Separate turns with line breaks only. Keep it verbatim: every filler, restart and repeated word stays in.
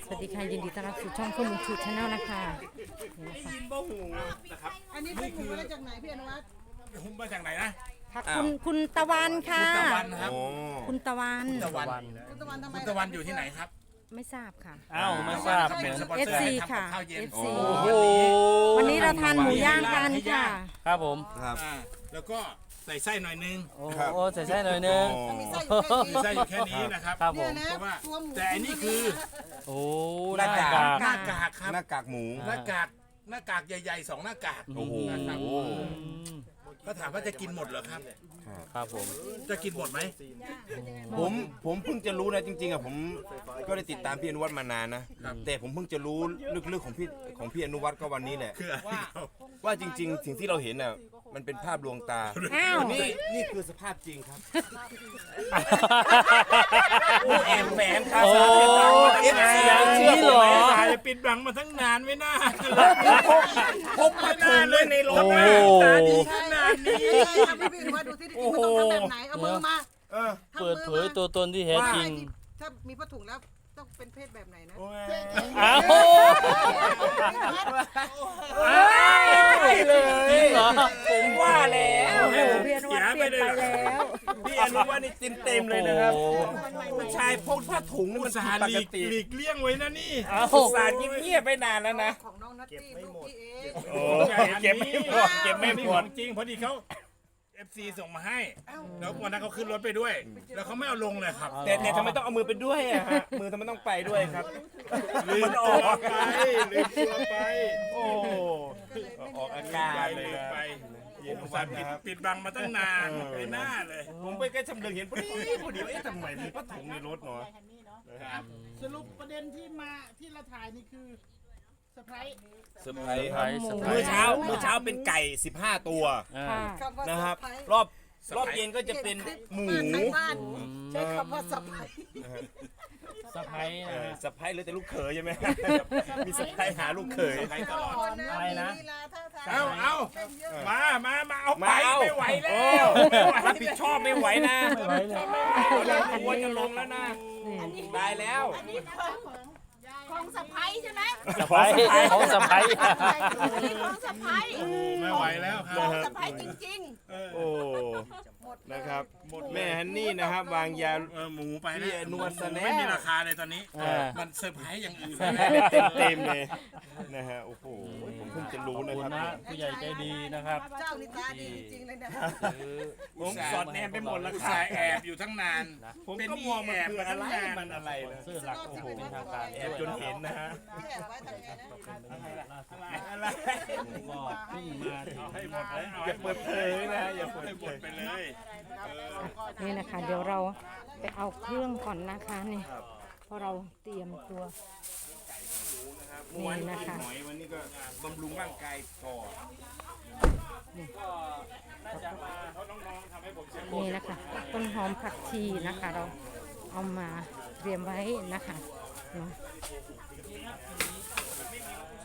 สวัสดีค่ะยินดีต้อนรับสู่ช่องคุณลุงชูชาแนลนะคะนี่นะคะ
ยินบ่หูนะครับ
อันนี้เป็นหมูมาจากไหนพี่อนุวัฒน์
หุ้มมาจากไหนนะ
ค่ะคุณคุณตะวันค่ะ
ตะวันนะครับ
คุณตะวัน
ตะวัน
คุณตะวันทำไม
คุณตะวันอยู่ที่ไหนครับ
ไม่ทราบค่ะ
อ้าวไม่ทราบ
เป็น
เนี่ย
สปอนเซอร์
เอฟซี
ให้ทำกั
ค่ะ
บข้าวเย็น
เอฟซี
โอ้โห
วันนี้เราทานหมูย่างกันค่ะ
ครับผม
ครับ
อ่าแล้วก็ใส่ไส้หน่อยนึง
โอ้
ครับ
โหใส่ไส้หน่อยนึง
มีไส้อยู่แค่
มี
นี้
ไส้อยู่แค่นี้นะครับ
ครับผ
เนี่ย
ม
นะ
เพราะว่า
ตัวหมู
แต่อันนี้คือ
โอ้
หน้ากาก
หน้ากากครับ
หน้ากากหมู
หน้ากากหน้ากากใหญ่ๆสองหน้ากาก
โอ้โห
นะครับ
อืม
ก็ถามว่าจะกินหมดเหรอครับ
ครับผม
จะกินหมดไหม
ผมผมเพิ่งจะรู้นะจริงๆอ่ะผมก็ได้ติดตามพี่อนุวัฒน์มานานนะ แต่ผมเพิ่งจะรู้ลึกๆของพี่ของพี่อนุวัฒน์ก็วันนี้แหละ
คืออะไรครับ
ว่าจริง ๆ สิ่งที่เราเห็นน่ะมันเป็นภาพลวงตา
อ้าว
นี่นี่คือสภาพจริงครับ
โอ้แอบแฝงครับ
โอ้
เอฟซี
อย่างนี้เหรอ
ถ่ายปิดบังมาทั้งนานไม่น่า
พกมาถุงด้วยในรถ
โอ้
นะ
โห
ตาดีขนาดนี้
ใช่ครับพี่อนุวัฒน์ดูที่จริงมันต้องทำแบบไหนเอามือมา
เออ
ทำ
เปิด
มือ
เผ
มาย
ตัวตนที่แท้จริง
ถ้ามีผ้าถุงแล้วต้องเป็นเพศแบบไหนนะ
อ้าว
ใช่เลย
จริงเหรอ
ผมว่าแล้ว
โอ้โหพี่อนุวัฒน์เปลี่ยนไปแล้ว
พี่อนุวัฒน์นี่เต็มเต็มๆเลยนะครับ
โอ้โห
ผู้ชายพกผ้าถุงนี่
อุ
มั
ต
น
ส่า
ผิด
ห์
ป
หลี
ก
ก
ติ
หลีกเลี่ยงไว้นะนี่
อ้าว
อุตส่าห์เงียบๆไปนานแล้วนะ
ของน้องนัตตี้ลูกพี่เอง
โอ้เก็บไม่หมดเก็บไม่หม
ขอ
ด
งจริงพอดีเขาเอฟซีส่งมาให้ แล้ววันนั้นเขาขึ้นรถไปด้วย แล้วเขาไม่เอาลงเลยครับ
แต่แต่ทำไมต้องเอามือไปด้วยอะฮะมือทำไมต้องไปด้วยครับ
ลืม
มันอ
ตัว
อก
ไปลืมตัวไป
โอ้ออกอา
ลื
กาม
ไป
รเลย
ลืม
นะ
ไป
เย็น
อุต
วั
ส่าน ห์ปิ
นะ
ด
ครับ
ปิดบังมาตั้งนานไม่น่าเลย
ผมไปใกล้ชำเลืองเห็นพอดีพอดีว่าเอ๊ะทำไมมีผ้าถุงในรถเนาะ
สรุปประเด็นที่มาที่เราถ่ายนี่คือเซอร์ไพรส์
เซอร์ไพรส์
ไพ
ค
ร
รับ
ส์สไพร
มื้อ
ส์
เช้ามื้อเช้าเป็นไก่สิบห้าตัว
อ่า
ค่ะ
คำว่า
นะครับ
สะพ้าย
รอบรอบเย็นก็จะเป็นหมู
บ้านบ้านใช้คำว่าสะพ้าย
สไพรส์
เอ
นะ
อ
ฮะ
สะพ้ายเลยแต่ลูกเขยใช่ไหมมีสะพ้ายหาลูกเขย
ไปตลอด
อะไรนะ
มีลีลาท่าทาง
เอาเอา
เต้นเยอะ
มามามาเอาไป
มาเอา
ไม่ไหวแล้
โอ้
วไม่ไหว
รับผิดชอบไม่ไหวนะ
ไม่ไหวเลย
ควรจะลงแล้วนะตายแล้ว
ของสะพ้ายใช่ไหม
สไพรส์ของสไพรส์
นี่ของสะพ้าย
ไม่ไหวแล้วค
ข
รั
อบ งสะพ้ายจริง
โอ้นะครับแม่ฮันนี่นะครับวางยา
เออหมูไป
พี่
แล้ว
อนุวัฒน์
หมู
แน่
ไม่มีราคาเลยตอนนี้
อ่า
มันเซอร์ไพรส์อย่างอื่น
เต็มเต็มๆเลยนะฮะโอ้โหผมเพิ่งจะรู้
ขอบ
นะ
คุ
ค
ณ
รับ
นะผู้ใหญ่ใจดีนะครับ
เจ้านี่ตาดีจริงๆเลยนะ
ผมสอดแนมไปหมดแล้ว
อุต
ครั
ส่า
บ
ห์แอบอยู่ทั้งนาน
ผมก็มองมันคืออะไรมันอะไรนะ
ชื่อหลักโอ้โหเป็นทางการ
แอบจนเห็นนะฮะ
แอบไว้ทำไงนะ
อะไร
ก็เพิ่งมา
ให้หมดเลย
อย่าเปิดเผยนะอย่าเปิด
ให้ห
เผม
ด
ย
ไปเลย
นี่นะคะ เดี๋ยวเราไปเอาเครื่องก่อนนะคะนี่เพราะเราเตรียมตัว
วัน
นี่
นี้
นะคะ
หน่อยวันนี้ก็บำรุงร่างกายก่อน
นี่นะคะต้นหอมผักชีนะคะ เราเอามาเตรียมไว้นะคะเนาะ